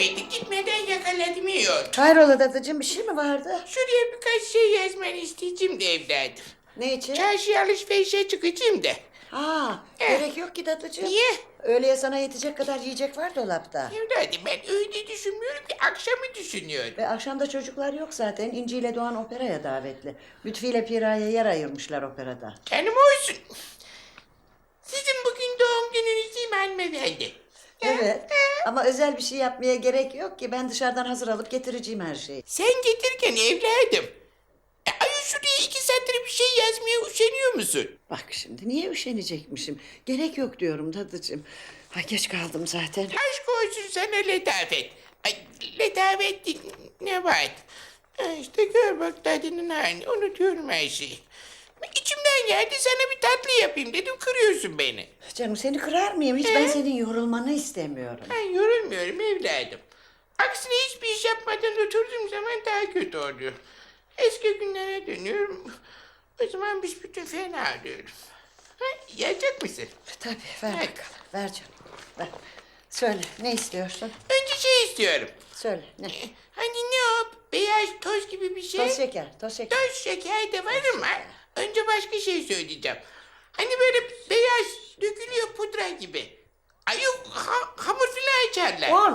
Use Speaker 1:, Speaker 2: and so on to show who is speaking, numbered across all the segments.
Speaker 1: kaybettik. Gitmeden yakaladım iyi oldu.
Speaker 2: Hayrola dadıcığım, bir şey mi vardı?
Speaker 1: Şuraya birkaç şey yazmanı isteyeceğim de evladım.
Speaker 2: Ne için?
Speaker 1: Çarşıya alışverişe çıkacağım da.
Speaker 2: Gerek yok ki dadıcığım.
Speaker 1: Niye?
Speaker 2: Öğleye sana yetecek kadar yiyecek var dolapta.
Speaker 1: Evladım ben öyle düşünmüyorum ki akşamı düşünüyorum.
Speaker 2: Ve akşamda çocuklar yok zaten. İnci ile Doğan operaya davetli. Lütfi ile Pira'ya yer ayırmışlar operada.
Speaker 1: Canım olsun. Sizin bugün doğum gününüz değil mi hanımefendi?
Speaker 2: Evet. Ama özel bir şey yapmaya gerek yok ki. Ben dışarıdan hazır alıp getireceğim her şeyi.
Speaker 1: Sen getirken evladım. Ay şuraya 2 satır bir şey yazmaya üşeniyor musun?
Speaker 2: Bak şimdi niye üşenecekmişim? Gerek yok diyorum dadıcığım. Ay geç kaldım zaten.
Speaker 1: Aşk olsun sana letafet. Ay letafet değil, ne var? İşte gör bak tadının halini, unutuyorum her şeyi. İçimden geldi sana bir tatlı yapayım dedim, kırıyorsun beni.
Speaker 2: Canım seni kırar mıyım? Hiç ben senin yorulmanı istemiyorum.
Speaker 1: Ben yorulmuyorum evladım. Aksine hiçbir iş yapmadan oturduğum zaman daha kötü oluyor. Eski günlere dönüyorum. O zaman büsbütün fena oluyorum. Yiyecek misin?
Speaker 2: Tabii ver
Speaker 1: Evet.
Speaker 2: bakalım. Ver canım. Ver. Söyle ne istiyorsun?
Speaker 1: Önce şey istiyorum.
Speaker 2: Söyle ne?
Speaker 1: Hani ne o? Beyaz toz gibi bir şey.
Speaker 2: Toz şeker, toz şeker.
Speaker 1: Toz şeker de var ama önce başka şey söyleyeceğim. Hani böyle beyaz dökülüyor pudra gibi. Ay yok hamur filan açarlar.
Speaker 2: Un.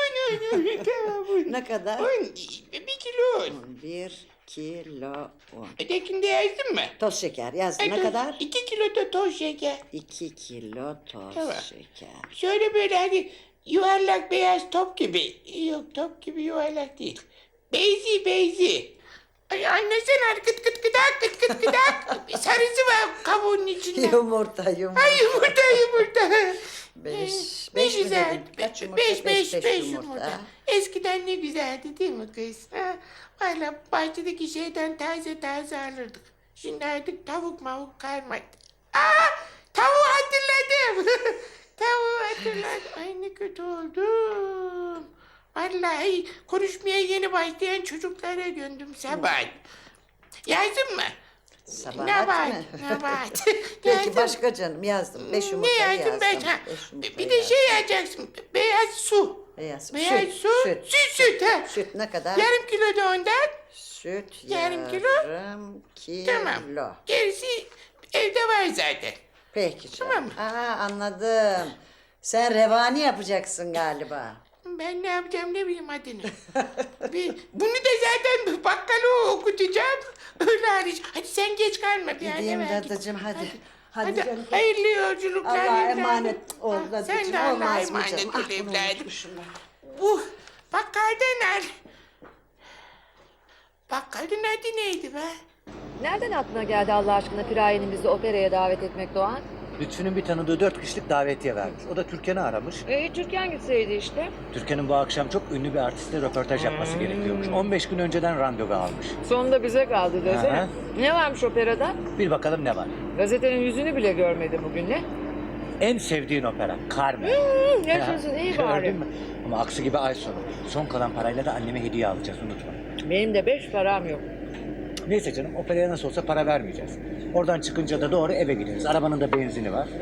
Speaker 1: Un.
Speaker 2: Ne kadar?
Speaker 1: Un. 1 kilo un.
Speaker 2: 1 kilo un.
Speaker 1: Ötekinde yazdın mı?
Speaker 2: Toz şeker yazdım. Ne kadar?
Speaker 1: 2 kilo da toz şeker.
Speaker 2: 2 kilo toz
Speaker 1: Tamam.
Speaker 2: şeker.
Speaker 1: Şöyle böyle hani yuvarlak beyaz top gibi. Yok top gibi yuvarlak değil. Beyzi. Ay anlasana kıt kıt kıdak kıt kıt kıdak. Sarısı var kabuğunun içinde.
Speaker 2: Yumurta.
Speaker 1: Ay yumurta.
Speaker 2: Beş
Speaker 1: Ne
Speaker 2: mi
Speaker 1: güzel.
Speaker 2: dedin? Kaç yumurta?
Speaker 1: Beş
Speaker 2: Beş
Speaker 1: yumurta. Eskiden ne güzeldi değil mi kız? Ha? Valla bahçedeki şeyden taze alırdık. Şimdi artık tavuk mavuk kalmadı. Tavuğu hatırladım. Tavuğu hatırladım. Ay ne kötü oldum. Vallahi konuşmaya yeni başlayan çocuklara döndüm sabah. Yazdın mı?
Speaker 2: Sabahat
Speaker 1: Ne var?
Speaker 2: mı?
Speaker 1: Ne var?
Speaker 2: Peki
Speaker 1: Yazdım.
Speaker 2: başka canım yazdım. 5 yumurta
Speaker 1: Ne yazdın
Speaker 2: yazdım.
Speaker 1: ben? Bir de şey yazacaksın. Beyaz su.
Speaker 2: Beyaz.
Speaker 1: Beyaz
Speaker 2: Süt,
Speaker 1: su.
Speaker 2: süt.
Speaker 1: Süt ha.
Speaker 2: Süt ne kadar?
Speaker 1: Yarım kilo da ondan.
Speaker 2: Süt
Speaker 1: Yarım kilo.
Speaker 2: yarım kilo.
Speaker 1: Tamam. Gerisi evde var zaten.
Speaker 2: Peki canım.
Speaker 1: Tamam mı?
Speaker 2: Anladım. Sen revani yapacaksın galiba.
Speaker 1: Ben ne yapacağım ne bileyim adını. Bunu da zaten bakkala okutacağım. Öyle hariç. Hadi sen geç kalma. Bir
Speaker 2: Gideyim
Speaker 1: anneme git.
Speaker 2: dadıcığım hadi.
Speaker 1: Hadi
Speaker 2: canım.
Speaker 1: hayırlı yolculuklar.
Speaker 2: Allah'a
Speaker 1: evladım.
Speaker 2: emanet ol
Speaker 1: Ah,
Speaker 2: dadıcığım.
Speaker 1: Sen de Allah'a
Speaker 2: Olmaz mı
Speaker 1: emanet
Speaker 2: canım?
Speaker 1: ol
Speaker 2: Ah bunu
Speaker 1: evladım.
Speaker 2: unutmuşum ben.
Speaker 1: Bu bakkaldan al. Bakkalın adı neydi be?
Speaker 3: Nereden aklına geldi Allah aşkına Piraye'nin bizi operaya davet etmek Doğan?
Speaker 4: Lütfü'nün bir tanıdığı 4 kişilik davetiye vermiş. O da Türkan'ı aramış.
Speaker 3: Türkan gitseydi işte.
Speaker 4: Türkan'ın bu akşam çok ünlü bir artistle röportaj yapması gerekiyormuş. 15 gün önceden randevu almış.
Speaker 3: Sonunda bize kaldı desene.
Speaker 4: Aha.
Speaker 3: Ne varmış operada?
Speaker 4: Bir bakalım ne var.
Speaker 3: Gazetenin yüzünü bile görmedim bugün ne?
Speaker 4: En sevdiğin opera Carmen.
Speaker 3: Yaşasın iyi bari.
Speaker 4: Gördün mü? Ama aksi gibi ay sonu. Son kalan parayla da anneme hediye alacağız unutma.
Speaker 3: Benim de 5 param yok.
Speaker 4: Neyse canım operaya nasıl olsa para vermeyeceğiz. Oradan çıkınca da doğru eve gideriz. Arabanın da benzini var.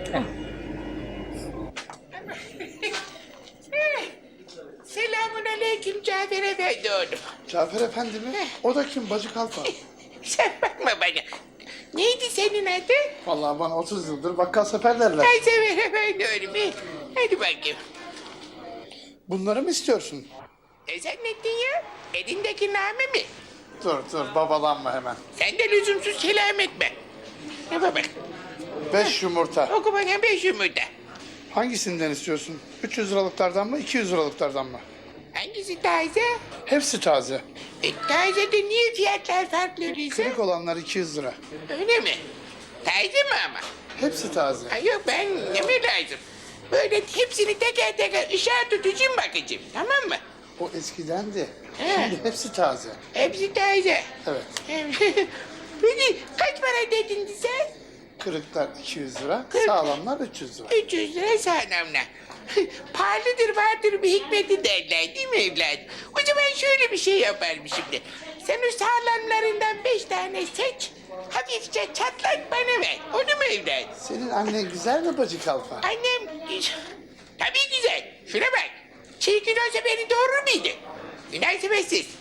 Speaker 1: Selamun aleyküm Cafer Efendi oğlum.
Speaker 5: Cafer Efendi mi? O da kim? Bacı Kalfa.
Speaker 1: Sen bakma bana. Neydi senin adın?
Speaker 5: Vallahi bana 30 yıldır bakkal sefer derler.
Speaker 1: Ay Cafer Efendi oğlum. Hadi bakayım.
Speaker 5: Bunları mı istiyorsun?
Speaker 1: Ne zannettin ya? Elindeki name mi?
Speaker 5: Dur babalanma hemen.
Speaker 1: Sen de lüzumsuz selam etme. Ne bak.
Speaker 5: 5 yumurta.
Speaker 1: Oku bana 5 yumurta.
Speaker 5: Hangisinden istiyorsun? 300 liralıklardan mı 200 liralıklardan mı?
Speaker 1: Hangisi taze?
Speaker 5: Hepsi taze.
Speaker 1: Taze de niye fiyatlar farklı öyleyse?
Speaker 5: Kırık olanlar 200 lira.
Speaker 1: Öyle mi? Taze mi ama?
Speaker 5: Hepsi taze.
Speaker 1: Ay yok ben yeme lazım. Böyle hepsini teker teker ışığa tutacağım bakacağım. Tamam mı?
Speaker 5: O eskidendi.
Speaker 1: He.
Speaker 5: Şimdi hepsi taze.
Speaker 1: Hepsi taze.
Speaker 5: Evet.
Speaker 1: Peki kaç para dedin sen?
Speaker 5: Kırıklar 200 lira,
Speaker 1: Kırık.
Speaker 5: sağlamlar 300 lira.
Speaker 1: 300 lira sağlamla. Pahalıdır vardır bir hikmeti derler değil mi evladım? O zaman şöyle bir şey yaparım şimdi. Sen o sağlamlarından 5 tane seç. Hafifçe çatlat bana ver. Onu mu evladım?
Speaker 5: Senin annen güzel mi Bacı Kalfa?
Speaker 1: Annem tabii güzel. Şuna bak. Çirkin olsa beni doğurur muydu? Münasebetsiz.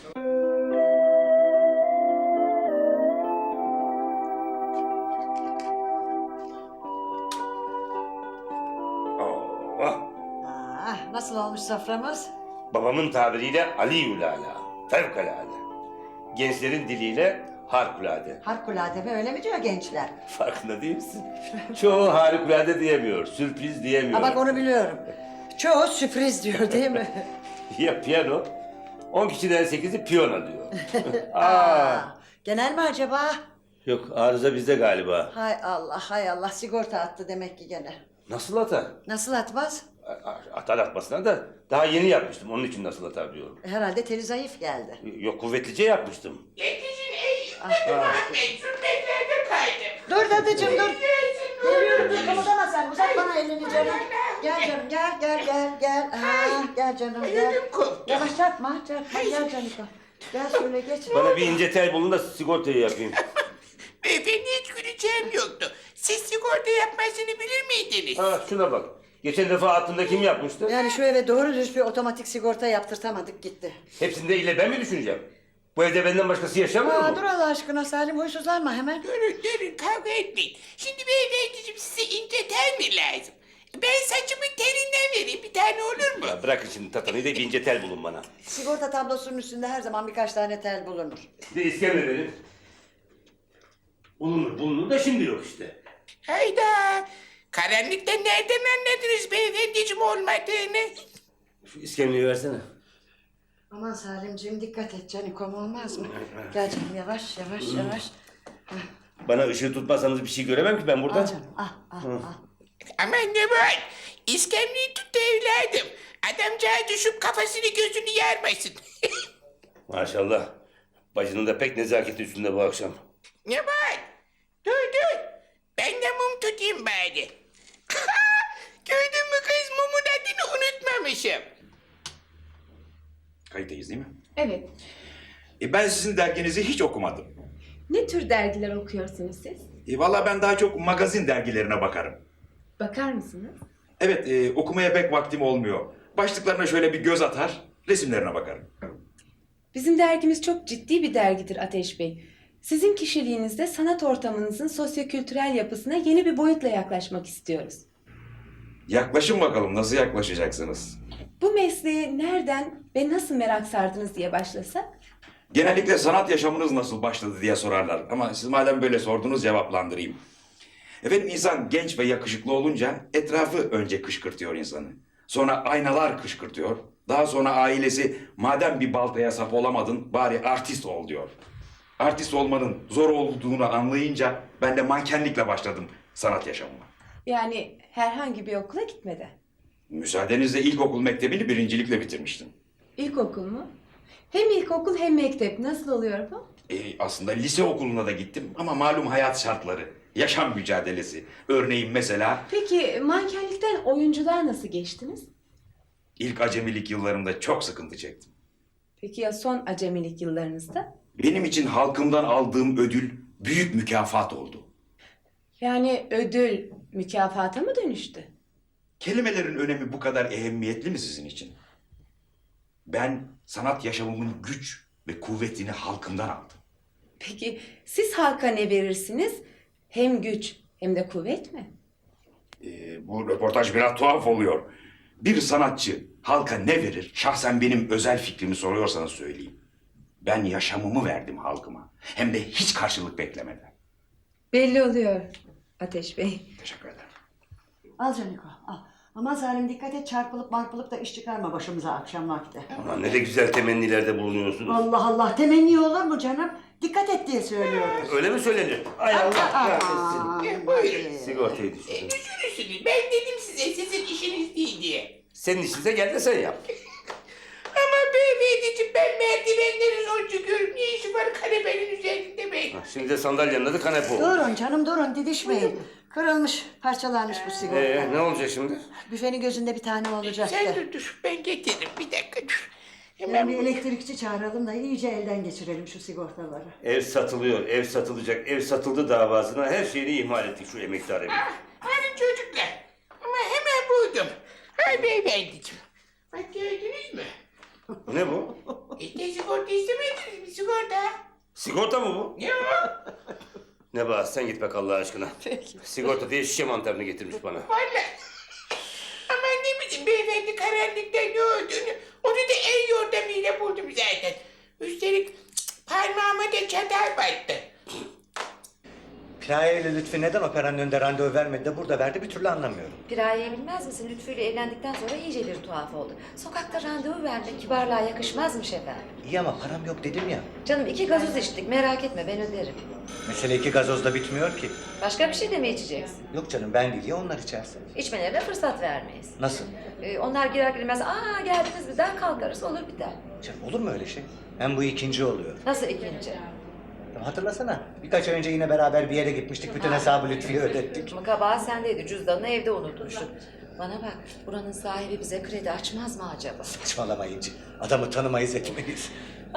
Speaker 6: Allah.
Speaker 2: Nasıl olmuş soframız?
Speaker 6: Babamın tabiriyle aliyülala, fevkalade. Gençlerin diliyle harikulade.
Speaker 2: Harikulade mi öyle mi diyor gençler?
Speaker 6: Farkında değil misin? Çoğu harikulade diyemiyor, sürpriz diyemiyor.
Speaker 2: Ha bak onu biliyorum. Çoğu sürpriz diyor değil mi?
Speaker 6: Ya piyano, 10 kişiden 8'i piyano diyor.
Speaker 2: Genel mi acaba?
Speaker 6: Yok, arıza bizde galiba.
Speaker 2: Hay Allah hay Allah sigorta attı demek ki gene.
Speaker 6: Nasıl hata?
Speaker 2: Nasıl atmaz?
Speaker 6: Atar atmasına da daha yeni yapmıştım. Onun için nasıl hata diyorum.
Speaker 2: Herhalde teli zayıf geldi.
Speaker 6: Yok, kuvvetlice yapmıştım.
Speaker 1: Yetişin ey Ahmet, sürmeklerde kaydım.
Speaker 2: Dur dadıcığım dur. Geliyorum dur kımıldama sen uzat bana elini canım. Gel canım gel. Gel canım gel.
Speaker 1: Ödüm koptu.
Speaker 2: Yavaş çarpma gel canım. Gel şöyle geç.
Speaker 6: Bana bir ince tel bulun da sigortayı yapayım.
Speaker 1: Beyefendi hiç güleceğim yoktu. Siz sigorta yapmasını bilir miydiniz?
Speaker 6: Ha, şuna bak. Geçen defa aklında kim yapmıştı?
Speaker 2: Yani şu eve doğru düz bir otomatik sigorta yaptırtamadık gitti.
Speaker 6: Hepsinde ille ben mi düşüneceğim? Bu evde benden başkası yaşamıyor mu?
Speaker 2: Dur Allah aşkına Salim huysuzlanma hemen.
Speaker 1: Durun kavga etmeyin. Şimdi beyefendiciğim size ince tel mi lazım? Ben saçımın telinden vereyim bir tane olur mu?
Speaker 6: Ya bırakın şimdi tatanıyı da bir ince tel bulun bana.
Speaker 2: Sigorta tablosunun üstünde her zaman birkaç tane tel bulunur.
Speaker 6: Bir de iskemle verin. Bulunur da şimdi yok işte.
Speaker 1: Hayda. Karanlıkta nereden anladınız beyefendiciğim olmadığını?
Speaker 6: Şu iskemleyi versene.
Speaker 2: Aman Salimciğim dikkat et canikom olmaz mı? Gel canım yavaş.
Speaker 6: Bana ışığı tutmazsanız bir şey göremem ki ben burada.
Speaker 2: Al canım al.
Speaker 1: Aman ne var? İskemleyi tut da evladım. Adamcağız düşüp kafasını gözünü yarmasın.
Speaker 6: Maşallah. Bacının da pek nezaketi üstünde bu akşam.
Speaker 1: Ne var? Dur. Ben de mum tutayım bari. Gördün mü kız mumun adını unutmamışım.
Speaker 7: Kayıttayız değil mi?
Speaker 8: Evet.
Speaker 7: Ben sizin derginizi hiç okumadım.
Speaker 8: Ne tür dergiler okuyorsunuz siz?
Speaker 7: Valla ben daha çok magazin dergilerine bakarım.
Speaker 8: Bakar mısınız?
Speaker 7: Evet, okumaya pek vaktim olmuyor. Başlıklarına şöyle bir göz atar, resimlerine bakarım.
Speaker 8: Bizim dergimiz çok ciddi bir dergidir Ateş Bey. Sizin kişiliğinizde sanat ortamınızın sosyokültürel yapısına yeni bir boyutla yaklaşmak istiyoruz.
Speaker 7: Yaklaşın bakalım, nasıl yaklaşacaksınız?
Speaker 8: Bu mesleğe nereden ve nasıl merak sardınız diye başlasak?
Speaker 7: Genellikle sanat yaşamınız nasıl başladı diye sorarlar. Ama siz madem böyle sordunuz cevaplandırayım. Efendim insan genç ve yakışıklı olunca etrafı önce kışkırtıyor insanı. Sonra aynalar kışkırtıyor. Daha sonra ailesi madem bir baltaya sap olamadın bari artist ol diyor. Artist olmanın zor olduğunu anlayınca ben de mankenlikle başladım sanat yaşamıma.
Speaker 8: Yani herhangi bir okula gitmeden.
Speaker 7: Müsaadenizle ilkokul mektebini birincilikle bitirmiştim.
Speaker 8: İlkokul mu? Hem ilkokul hem mektep. Nasıl oluyor bu?
Speaker 7: Aslında lise okuluna da gittim ama malum hayat şartları, yaşam mücadelesi. Örneğin mesela
Speaker 8: Peki mankenlikten oyunculuğa nasıl geçtiniz?
Speaker 7: ilk acemilik yıllarımda çok sıkıntı çektim.
Speaker 8: Peki ya son acemilik yıllarınızda?
Speaker 7: Benim için halkımdan aldığım ödül büyük mükafat oldu.
Speaker 8: Yani ödül mükafata mı dönüştü?
Speaker 7: Kelimelerin önemi bu kadar ehemmiyetli mi sizin için? Ben sanat yaşamımın güç ve kuvvetini halkımdan aldım.
Speaker 8: Peki siz halka ne verirsiniz? Hem güç hem de kuvvet mi?
Speaker 7: Bu röportaj biraz tuhaf oluyor. Bir sanatçı halka ne verir? Şahsen benim özel fikrimi soruyorsanız söyleyeyim. Ben yaşamımı verdim halkıma. Hem de hiç karşılık beklemeden.
Speaker 8: Belli oluyor Ateş Bey.
Speaker 7: Teşekkür ederim.
Speaker 2: Al Caniko al. Aman Salim dikkat et çarpılıp marpılıp da iş çıkarma başımıza akşam vakti.
Speaker 6: Aman ne de güzel temennilerde bulunuyorsunuz.
Speaker 2: Allah Allah temenni olur mu canım? Dikkat et diye söylüyoruz.
Speaker 6: Öyle mi söylenir? Ay Allah kahretsin.
Speaker 2: Aman,
Speaker 1: Buyurun.
Speaker 6: Sigortayı düşürdüm.
Speaker 1: Düşünürsünüz. Ben dedim size sizin işiniz değil diye.
Speaker 6: Senin işinize gel de sen yap.
Speaker 1: Ama beyefendiciğim ben merdivenleri zor çıkıyorum. Ne işi var kanepenin üzerinde be?
Speaker 6: Şimdi de sandalyenin adı kanepe oldu.
Speaker 2: Durun canım durun didişmeyin. Kırılmış parçalanmış bu sigorta.
Speaker 6: Ne olacak şimdi?
Speaker 2: Büfenin gözünde bir tane olacaktı.
Speaker 1: Sen dur ben getiririm bir dakika dur.
Speaker 2: Yani bir elektrikçi çağıralım da iyice elden geçirelim şu sigortaları.
Speaker 6: Ev satılıyor, ev satılacak, ev satıldı davasına her şeyini ihmal ettik şu emektar evi.
Speaker 1: Hadi çocuklar. Ama hemen buldum. Hay beyefendiciğim. Bak gördünüz mü?
Speaker 6: Ne bu?
Speaker 1: İşte sigorta istemediniz mi sigorta?
Speaker 6: Sigorta mı bu?
Speaker 1: Ya.
Speaker 6: Nebahat sen git bak Allah aşkına. Sigorta diye şişe mantarını getirmiş bana.
Speaker 1: Vallahi. Ama ne bileyim beyefendi karanlıkta ne olduğunu onu da el yordamıyla buldum zaten. Üstelik parmağıma da çatal battı.
Speaker 4: Piraye ile Lütfi neden operanın önünde randevu vermedi de burada verdi bir türlü anlamıyorum.
Speaker 3: Piraye'yi bilmez misin? Lütfü ile evlendikten sonra iyice bir tuhaf oldu. Sokakta randevu vermek kibarlığa yakışmazmış efendim.
Speaker 4: İyi ama param yok dedim ya.
Speaker 3: Canım 2 gazoz içtik, merak etme ben öderim.
Speaker 4: Mesele 2 gazozla bitmiyor ki.
Speaker 3: Başka bir şey de mi içeceksin?
Speaker 4: Yok canım ben değil ya onlar içerse.
Speaker 3: İçmelerine fırsat vermeyiz.
Speaker 4: Nasıl?
Speaker 3: Onlar girer girmez, aa geldiniz mi der kalkarız, olur biter.
Speaker 4: Canım olur mu öyle şey? Hem bu ikinci oluyor.
Speaker 3: Nasıl ikinci?
Speaker 4: Hatırlasana birkaç ay önce yine beraber bir yere gitmiştik. Bütün hesabı Lütfü'ye ödettik.
Speaker 3: Ama kabahat sendeydi, cüzdanını evde unutmuştun. Bana bak, buranın sahibi bize kredi açmaz mı acaba?
Speaker 4: Saçmalamayınca adamı tanımayız etmeyiz.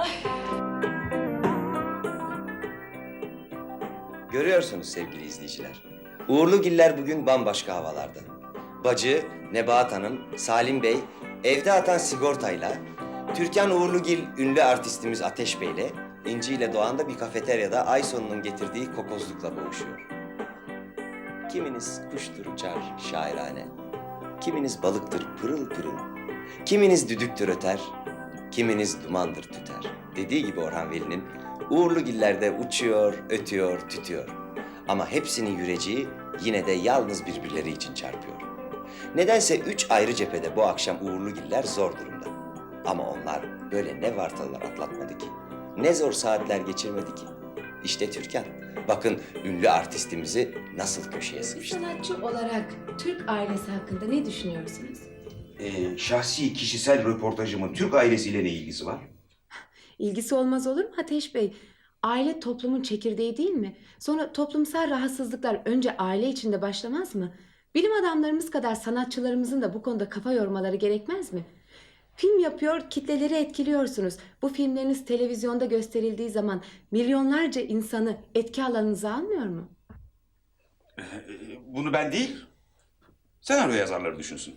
Speaker 9: Görüyorsunuz sevgili izleyiciler. Uğurlugiller bugün bambaşka havalarda. Bacı, Nebahat Hanım, Salim Bey, evde atan sigortayla, Türkan Uğurlugil ünlü artistimiz Ateş Bey'le, İnci ile Doğan da bir kafeteryada ay sonunun getirdiği kokozlukla boğuşuyor. Kiminiz kuştur uçar şairane, kiminiz balıktır pırıl pırıl, kiminiz düdüktür öter, kiminiz dumandır tüter. Dediği gibi Orhan Veli'nin Uğurlugiller de uçuyor, ötüyor, tütüyor. Ama hepsinin yüreceği yine de yalnız birbirleri için çarpıyor. Nedense 3 ayrı cephede bu akşam Uğurlugiller zor durumda. Ama onlar böyle ne vartalar atlatmadı ki, ne zor saatler geçirmedi ki. İşte Türkan, bakın ünlü artistimizi nasıl köşeye
Speaker 8: Bir
Speaker 9: sıkıştı.
Speaker 8: sanatçı olarak Türk ailesi hakkında ne düşünüyorsunuz?
Speaker 7: Şahsi kişisel röportajımın Türk ailesiyle ne ilgisi var?
Speaker 8: İlgisi olmaz olur mu Ateş Bey? Aile toplumun çekirdeği değil mi? Sonra toplumsal rahatsızlıklar önce aile içinde başlamaz mı? Bilim adamlarımız kadar sanatçılarımızın da bu konuda kafa yormaları gerekmez mi? Film yapıyor, kitleleri etkiliyorsunuz. Bu filmleriniz televizyonda gösterildiği zaman milyonlarca insanı etki alanınıza almıyor mu?
Speaker 7: Bunu ben değil, senaryo yazarları düşünsün.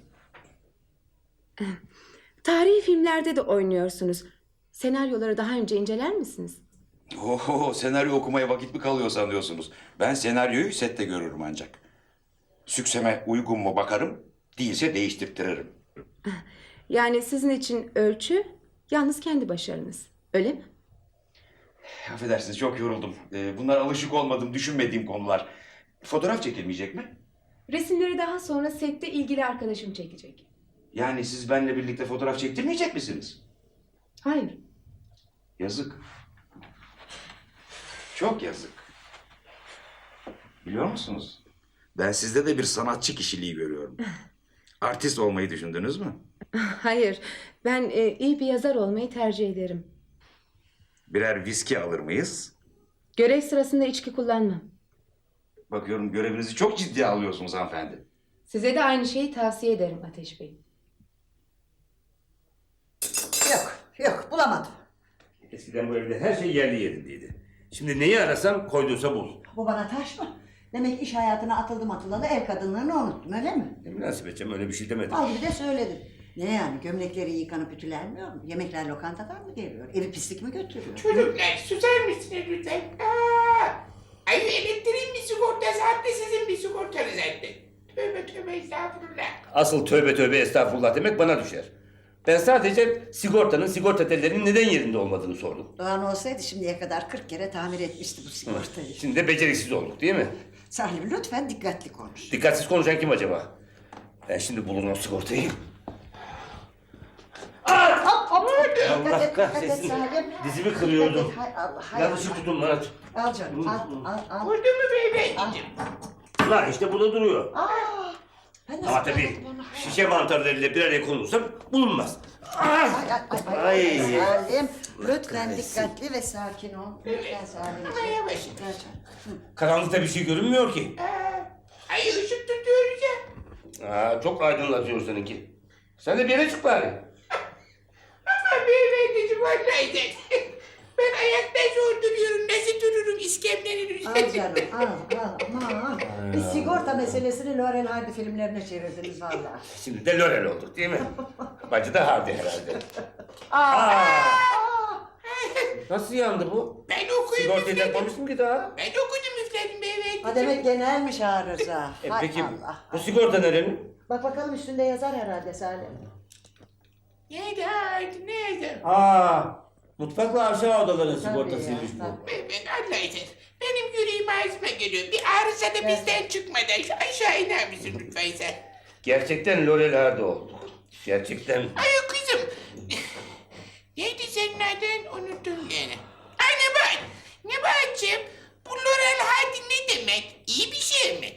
Speaker 8: Tarihi filmlerde de oynuyorsunuz. Senaryoları daha önce inceler misiniz?
Speaker 7: Oho, senaryo okumaya vakit mi kalıyor sanıyorsunuz? Ben senaryoyu sette görürüm ancak. Sükseme uygun mu bakarım, değilse değiştirtirim.
Speaker 8: Yani sizin için ölçü yalnız kendi başarınız. Öyle mi?
Speaker 7: Affedersiniz, çok yoruldum. Bunlar alışık olmadığım, düşünmediğim konular. Fotoğraf çekilmeyecek mi?
Speaker 8: Resimleri daha sonra sette ilgili arkadaşım çekecek.
Speaker 7: Yani siz benimle birlikte fotoğraf çektirmeyecek misiniz?
Speaker 8: Hayır.
Speaker 7: Yazık. Çok yazık. Biliyor musunuz? Ben sizde de bir sanatçı kişiliği görüyorum. Artist olmayı düşündünüz mü?
Speaker 8: Hayır. Ben iyi bir yazar olmayı tercih ederim.
Speaker 7: Birer viski alır mıyız?
Speaker 8: Görev sırasında içki kullanmam.
Speaker 7: Bakıyorum görevinizi çok ciddiye alıyorsunuz hanımefendi.
Speaker 8: Size de aynı şeyi tavsiye ederim Ateş Bey.
Speaker 2: Yok bulamadım.
Speaker 6: Eskiden bu evde her şey yerli yerindeydi. Şimdi neyi arasam koyduysa bul.
Speaker 2: Bu bana taş mı? Demek iş hayatına atıldım atılalı ev kadınlarını unuttun öyle mi?
Speaker 6: Ne münasebet canım, öyle bir şey demedim.
Speaker 2: Al gibi de söyledin. Ne yani gömlekleri yıkanıp ütülenmiyor mu? Yemekler lokantadan mı geliyor? Evi pislik mi götürüyor?
Speaker 1: Çocuklar susar mısınız lütfen? Ay elektriğin bir sigortası hatta sizin bir sigortanız zaten. Tövbe tövbe estağfurullah.
Speaker 6: Asıl tövbe tövbe estağfurullah demek bana düşer. Ben sadece sigortanın, sigorta tellerinin neden yerinde olmadığını sordum.
Speaker 2: Doğan olsaydı şimdiye kadar 40 kere tamir etmişti bu sigortayı.
Speaker 6: Şimdi de beceriksiz olduk değil mi?
Speaker 2: Salim lütfen dikkatli konuş.
Speaker 6: Dikkatsiz konuşan kim acaba? Ben şimdi bulurum o sigortayı.
Speaker 2: Hop hop.
Speaker 6: Allah kahretsin. Dizimi kırıyordum.
Speaker 2: Hay Allah hay
Speaker 6: Yanlışlık
Speaker 2: Allah.
Speaker 6: tutun bana.
Speaker 2: Al canım al.
Speaker 1: Vurdu mu beyefendiciğim?
Speaker 6: Ulan işte burada duruyor.
Speaker 2: Ben nasıl
Speaker 6: Ama tabii
Speaker 2: bulamadım onu?
Speaker 6: şişe mantarlarıyla bir araya konulursa bulunmaz.
Speaker 2: Ay. Salim lütfen
Speaker 6: kahretsin.
Speaker 2: dikkatli ve sakin ol. Lütfen Salim.
Speaker 1: Ama yavaş.
Speaker 2: Ver canım.
Speaker 6: Karanlıkta bir şey görünmüyor ki.
Speaker 1: Ay ışık tutuyoruz ya.
Speaker 6: Çok aydınlatıyor seninki. Sen de bir yere çık bari.
Speaker 1: Ama beyefendiciğim vallahi de. Ben ayakta zor duruyorum. Nasıl dururum iskemlenin
Speaker 2: Al
Speaker 1: üzerine.
Speaker 2: canım al aman. Bir sigorta meselesini Laurel Hardy filmlerine çevirdiniz vallahi.
Speaker 6: Şimdi de Lorel olduk değil mi? Bacı da Hardy herhalde. Nasıl yandı bu?
Speaker 1: Ben okuyup
Speaker 6: Sigortayı
Speaker 1: üfledim.
Speaker 6: takmamışsın ki daha.
Speaker 1: Ben okudum üfledim evet.
Speaker 2: Ha demek genelmiş arıza. Hay
Speaker 6: Peki
Speaker 2: Allah.
Speaker 6: bu sigorta nerenin?
Speaker 2: Bak bakalım üstünde yazar herhalde Salim.
Speaker 1: Nerede?
Speaker 6: Mutfakla aşağı odaların
Speaker 2: Tabii
Speaker 6: sigortasıymış
Speaker 2: ya,
Speaker 6: bu.
Speaker 2: tabii.
Speaker 1: Ben Allah'ım. Benim yüreğim ağzıma geliyor. Bir arıza da bizden çıkmadan şu aşağı iner misin lütfen sen?
Speaker 6: Gerçekten Lorel Hardy olduk. Gerçekten.
Speaker 1: Ay kızım. Neydi senin adın? Unuttum gene. Ay Nebahat'cığım. Bu Laurel Hardy ne demek? İyi bir şey mi?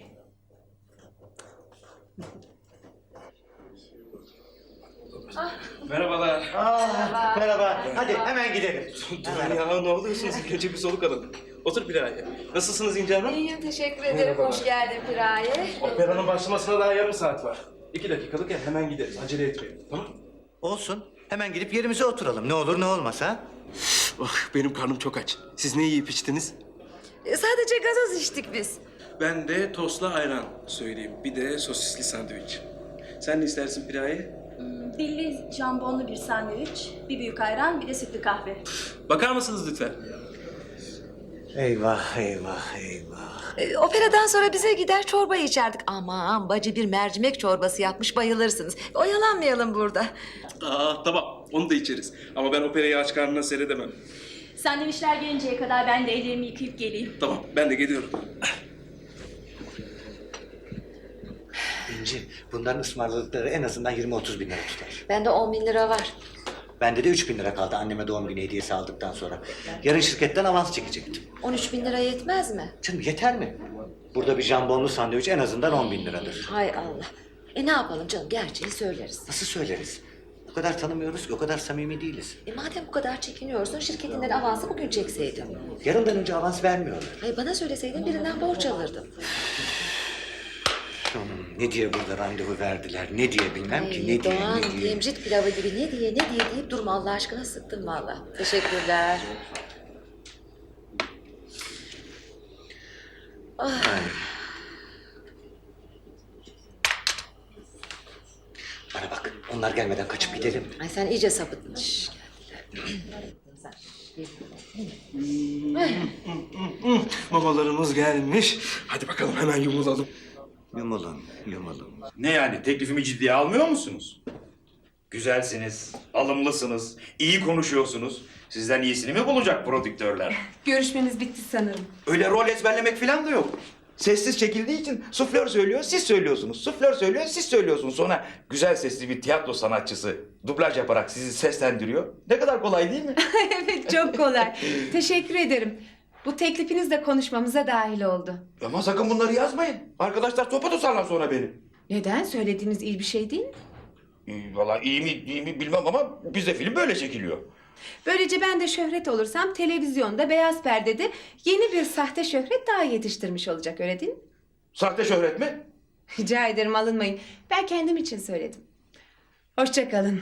Speaker 10: Merhabalar.
Speaker 4: Merhaba. Hadi hemen gidelim.
Speaker 10: Ya ne oluyorsunuz? Önce bir soluk alın. Otur Piraye. Nasılsınız İnce Hanım?
Speaker 3: İyiyim, teşekkür ederim. Hoş geldin Piraye.
Speaker 10: Operanın başlamasına daha yarım saat var. 2 dakikalık ya hemen gideriz. Acele etmeyelim. Tamam?
Speaker 4: Olsun. Hemen gidip yerimize oturalım. Ne olur ne olmaz ha?
Speaker 10: Oh, benim karnım çok aç. Siz ne yiyip içtiniz?
Speaker 3: Sadece gazoz içtik biz.
Speaker 10: Ben de tostla ayran söyleyeyim. Bir de sosisli sandviç. Sen ne istersin Piraye?
Speaker 11: Dilli jambonlu bir sandviç, bir büyük ayran, bir de sütlü kahve.
Speaker 10: Bakar mısınız lütfen?
Speaker 4: Eyvah.
Speaker 3: Operadan sonra bize gider çorba içerdik. Aman bacı bir mercimek çorbası yapmış, bayılırsınız. Oyalanmayalım burada.
Speaker 10: Tamam. Onu da içeriz. Ama ben operayı aç karnına seyredemem.
Speaker 11: Sandviçler gelinceye kadar ben de ellerimi yıkayıp geleyim.
Speaker 10: Tamam. Ben de geliyorum.
Speaker 4: İnci, bunların ısmarladıkları en azından 20-30 bin lira tutar.
Speaker 3: Bende 10 bin lira var.
Speaker 4: Bende de 3 bin lira kaldı anneme doğum günü hediyesi aldıktan sonra. Yarın şirketten avans çekecektim.
Speaker 3: 13 bin lira yetmez mi?
Speaker 4: Canım yeter mi? Burada bir jambonlu sandviç en azından 10 bin liradır.
Speaker 3: Hay Allah. Ne yapalım canım, gerçeği söyleriz.
Speaker 4: Nasıl söyleriz? O kadar tanımıyoruz ki, o kadar samimi değiliz.
Speaker 3: Madem bu kadar çekiniyorsun, şirketinden avansı bugün çekseydin.
Speaker 4: Yarından önce avans vermiyorlar.
Speaker 3: Hayır, bana söyleseydin birinden borç alırdım.
Speaker 4: Ne diye burada randevu verdiler, ne diye bilmem ki, ne diye,
Speaker 3: Doğan,
Speaker 4: ne diye.
Speaker 3: yemcit pilavı gibi ne diye deyip durma Allah aşkına, sıktın valla. Teşekkürler.
Speaker 4: Bana bak, onlar gelmeden kaçıp gidelim.
Speaker 3: Ay sen iyice sapıttın. Şş,
Speaker 10: Mamalarımız gelmiş. Hadi bakalım hemen yumulalım.
Speaker 4: Yumulun.
Speaker 7: Ne yani teklifimi ciddiye almıyor musunuz? Güzelsiniz, alımlısınız, iyi konuşuyorsunuz. Sizden iyisini mi bulacak prodüktörler?
Speaker 8: Görüşmemiz bitti sanırım.
Speaker 7: Öyle rol ezberlemek falan da yok. Sessiz çekildiği için suflör söylüyor, siz söylüyorsunuz. Suflör söylüyor, siz söylüyorsunuz. Sonra güzel sesli bir tiyatro sanatçısı dublaj yaparak sizi seslendiriyor. Ne kadar kolay değil mi?
Speaker 8: Evet, çok kolay. Teşekkür ederim. Bu teklifiniz de konuşmamıza dahil oldu.
Speaker 7: Ama sakın bunları yazmayın. Arkadaşlar topa tutarlar sonra beni.
Speaker 8: Neden? Söylediğiniz iyi bir şey değil mi?
Speaker 7: Vallahi iyi mi bilmem ama bizde film böyle çekiliyor.
Speaker 8: Böylece ben de şöhret olursam televizyonda, beyaz perdede yeni bir sahte şöhret daha yetiştirmiş olacak, öyle değil mi?
Speaker 7: Sahte şöhret mi?
Speaker 8: Rica ederim, alınmayın. Ben kendim için söyledim. Hoşça kalın.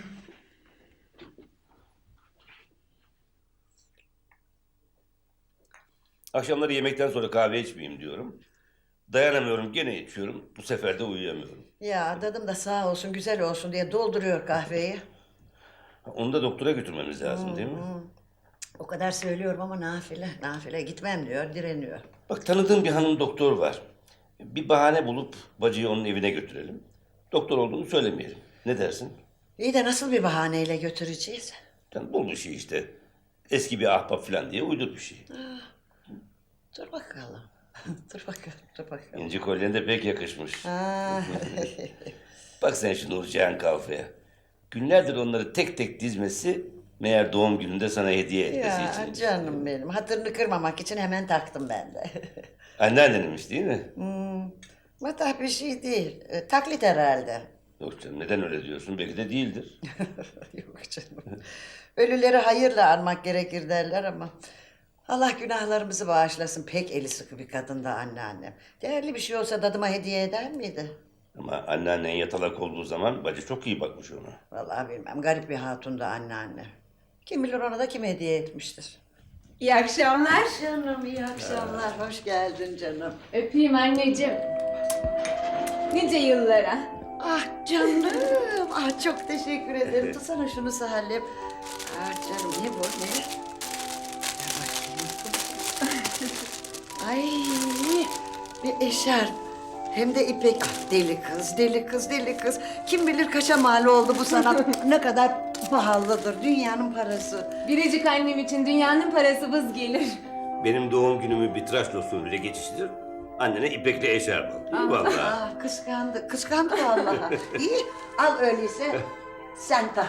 Speaker 6: Akşamları yemekten sonra kahve içmeyeyim diyorum. Dayanamıyorum, gene içiyorum. Bu sefer de uyuyamıyorum.
Speaker 2: Ya dadım da sağ olsun güzel olsun diye dolduruyor kahveyi.
Speaker 6: Onu da doktora götürmemiz lazım değil mi?
Speaker 2: O kadar söylüyorum ama nafile gitmem diyor, direniyor.
Speaker 6: Bak, tanıdığım bir hanım doktor var. Bir bahane bulup bacıyı onun evine götürelim. Doktor olduğunu söylemeyelim. Ne dersin?
Speaker 2: İyi de nasıl bir bahaneyle götüreceğiz?
Speaker 6: Yani bul bir şey işte. Eski bir ahbap falan diye uydur bir şey.
Speaker 2: Dur bakalım. dur bakalım.
Speaker 6: İnci kolyen de pek yakışmış.
Speaker 2: Ha.
Speaker 6: Bak sen şu Nurcihan Kalfa'ya. Günlerdir onları tek tek dizmesi, meğer doğum gününde sana hediye etmesi
Speaker 2: Ya
Speaker 6: için.
Speaker 2: canım benim, hatırını kırmamak için hemen taktım ben de.
Speaker 6: Anneanneninmiş değil mi?
Speaker 2: Matah bir şey değil, taklit herhalde.
Speaker 6: Yok canım, neden öyle diyorsun? Belki de değildir.
Speaker 2: Yok canım. Ölüleri hayırla anmak gerekir derler ama... Allah günahlarımızı bağışlasın. Pek eli sıkı bir kadındı anneannem. Değerli bir şey olsa dadıma hediye eder miydi?
Speaker 6: Ama anneannen yatalak olduğu zaman bacı çok iyi bakmış ona.
Speaker 2: Vallahi bilmem. Garip bir hatundu anneanne. Kim bilir ona da kim hediye etmiştir.
Speaker 8: İyi akşamlar.
Speaker 2: Canım iyi akşamlar. Hoş geldin canım.
Speaker 8: Öpeyim anneciğim. Nice yıllara.
Speaker 2: Ah canım. Ah çok teşekkür ederim. Tutsana şunu Salim. Ah canım ne bu ne? Ver bakayım. Ay bir eşarp. Hem de ipek. Ah, deli kız, deli kız, deli kız. Kim bilir kaça mal oldu bu sanat. Ne kadar pahalıdır. Dünyanın parası.
Speaker 8: Biricik annem için dünyanın parası vız gelir.
Speaker 6: Benim doğum günümü bir tıraş usulüyle geçiştir. Annene ipekli eşarp al. İyi vallahi.
Speaker 2: Ah kıskandı, kıskandı vallahi. İyi, al öyleyse. Sen tak.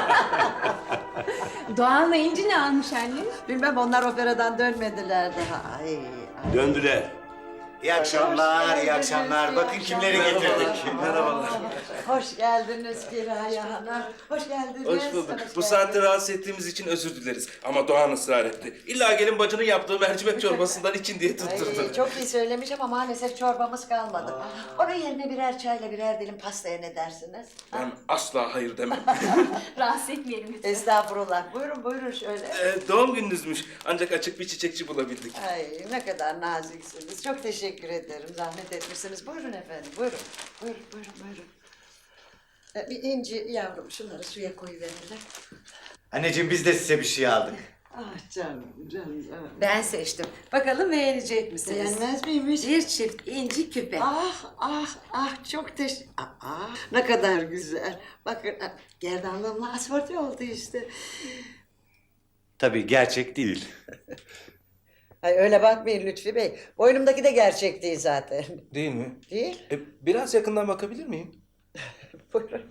Speaker 8: Doğan'la İnci ne almış annem?
Speaker 2: Bilmem onlar operadan dönmediler daha. Ay, ay.
Speaker 6: Döndüler.
Speaker 4: İyi akşamlar, iyi akşamlar. Bakın kimleri getirdik.
Speaker 10: Merhabalar.
Speaker 2: Hoş geldiniz Kiraya Hanım. Hoş geldiniz.
Speaker 10: Hoş bulduk.
Speaker 2: Hoş
Speaker 10: Bu saatte rahatsız ettiğimiz için özür dileriz. Ama Doğan ısrar etti. İlla gelin bacının yaptığı mercimek çorbasından için diye tutturdu.
Speaker 2: Ay, çok iyi söylemiş ama maalesef çorbamız kalmadı. Onun yerine birer çayla birer dilim pastaya ne dersiniz?
Speaker 10: Ben asla hayır demem.
Speaker 11: Rahatsız etmeyelim lütfen.
Speaker 2: Estağfurullah. Buyurun buyurun şöyle.
Speaker 10: Doğum gününüzmüş. Ancak açık bir çiçekçi bulabildik.
Speaker 2: Ay ne kadar naziksiniz. Çok teşekkür ederim. Zahmet etmişsiniz. Buyurun efendim. Buyurun. Buyurun buyurun buyurun. Bir İnci yavrum şunları suya koyuverirler.
Speaker 4: Anneciğim biz de size bir şey aldık.
Speaker 2: Ah canım canım.
Speaker 3: Ben seçtim. Bakalım beğenecek misiniz?
Speaker 2: Beğenmez miymiş?
Speaker 3: Bir çift inci küpe.
Speaker 2: Ah ah ah çok ne kadar güzel. Bakın gerdanlığımla asfalt oldu işte.
Speaker 4: Tabii gerçek değil.
Speaker 2: Ay öyle bakmayın Lütfi Bey. Boynumdaki de gerçek değil zaten.
Speaker 10: Değil mi?
Speaker 2: Değil?
Speaker 10: Biraz yakından bakabilir miyim?
Speaker 2: Buyurun.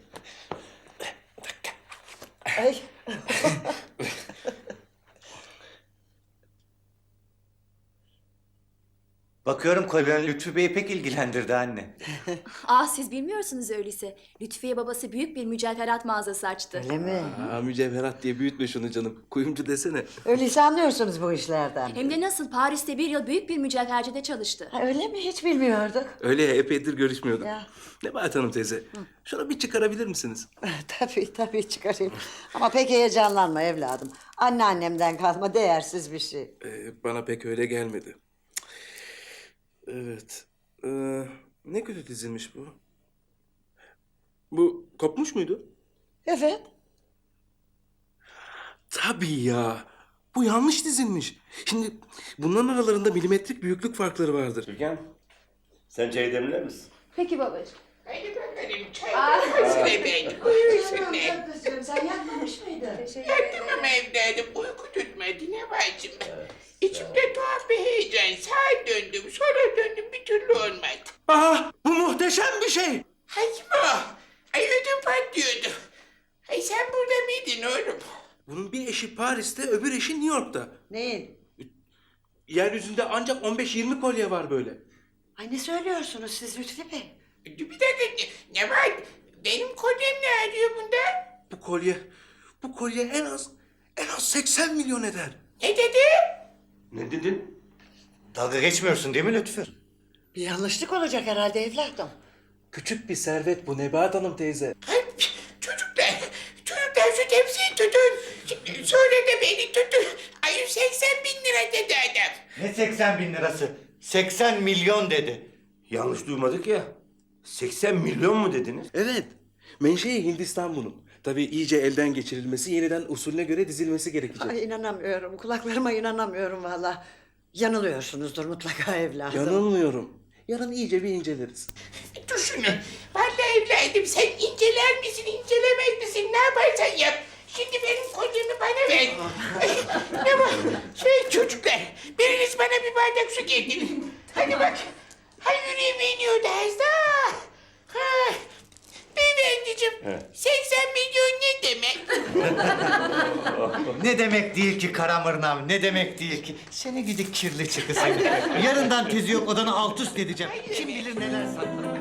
Speaker 2: Ay.
Speaker 4: Bakıyorum kolyen Lütfü Bey'i pek ilgilendirdi anne.
Speaker 11: Siz bilmiyorsunuz öyleyse. Lütfiye babası büyük bir mücevherat mağazası açtı.
Speaker 2: Öyle mi?
Speaker 10: Mücevherat diye büyütme şunu canım. Kuyumcu desene.
Speaker 2: Öyleyse anlıyorsunuz bu işlerden.
Speaker 11: Hem de nasıl Paris'te bir yıl büyük bir mücevhercide çalıştı.
Speaker 2: Ha, öyle mi? Hiç bilmiyorduk.
Speaker 10: Öyle ya, epeydir görüşmüyorduk.
Speaker 2: Ya.
Speaker 10: Nebahat Hanım teyze, şunu bir çıkarabilir misiniz?
Speaker 2: Tabii çıkarayım. Ama pek heyecanlanma evladım. Anneannemden kalma değersiz bir şey.
Speaker 10: Bana pek öyle gelmedi. Evet. Ne kötü dizilmiş bu. Bu kopmuş muydu?
Speaker 2: Evet.
Speaker 10: Tabii ya. Bu yanlış dizilmiş. Şimdi bunların aralarında milimetrik büyüklük farkları vardır.
Speaker 6: Türkan, sen çay demler misin?
Speaker 8: Peki babacığım.
Speaker 1: Hadi bakalım çay hazır efendim. Buyursunlar.
Speaker 2: Kızım sen yapmamış mıydın?
Speaker 1: Yattım ama evladım uyku tutmadı ne bacım. İçimde tuhaf bir heyecan. Sağa döndüm sonra döndüm bir türlü olmadı.
Speaker 10: Bu muhteşem bir şey.
Speaker 1: Hacım o. Ay ödüm patlıyordu. Ay sen burada mıydın oğlum?
Speaker 10: Bunun bir eşi Paris'te, öbür eşi New York'ta.
Speaker 2: Neyin?
Speaker 10: Yeryüzünde ancak 15-20 kolye var böyle.
Speaker 2: Ay ne söylüyorsunuz siz Lütfi Bey?
Speaker 1: Bir dakika ne var? Benim kolyem ne arıyor bunda?
Speaker 10: Bu kolye en az 80 milyon eder.
Speaker 1: Ne dedi?
Speaker 6: Ne dedin?
Speaker 4: Dalga geçmiyorsun değil mi Lütfü?
Speaker 2: Bir yanlışlık olacak herhalde evladım.
Speaker 10: Küçük bir servet bu Nebahat Hanım teyze.
Speaker 1: Ay, çocuklar şu tepsiyi tutun. Sonra da beni tutun. Ay 80 bin lira dedi adam.
Speaker 4: Ne 80 bin lirası? 80 milyon dedi.
Speaker 6: Yanlış duymadık ya. 80 milyon mu dediniz?
Speaker 10: Evet. Menşei Hindistan bunun. Tabii iyice elden geçirilmesi, yeniden usulüne göre dizilmesi gerekecek.
Speaker 2: Ay inanamıyorum. Kulaklarıma inanamıyorum valla. Yanılıyorsunuzdur mutlaka evladım.
Speaker 10: Yanılmıyorum. Yarın iyice bir inceleriz.
Speaker 1: Dur şunu. Vallahi evladım sen inceler misin incelemez misin ne yaparsan yap. Şimdi benim kolyemi bana ver. Ay, ne var? Çocuklar biriniz bana bir bardak su getirin. Hadi bak. Hay yüreğime iniyordu az daha. Ha. Beyefendiciğim 80 milyon ne demek?
Speaker 4: Ne demek değil ki Karamırnam, ne demek değil ki. Seni gidi kirli çıkı seni. Yarından tezi yok odanı alt üst edeceğim. Kim bilir neler saklı.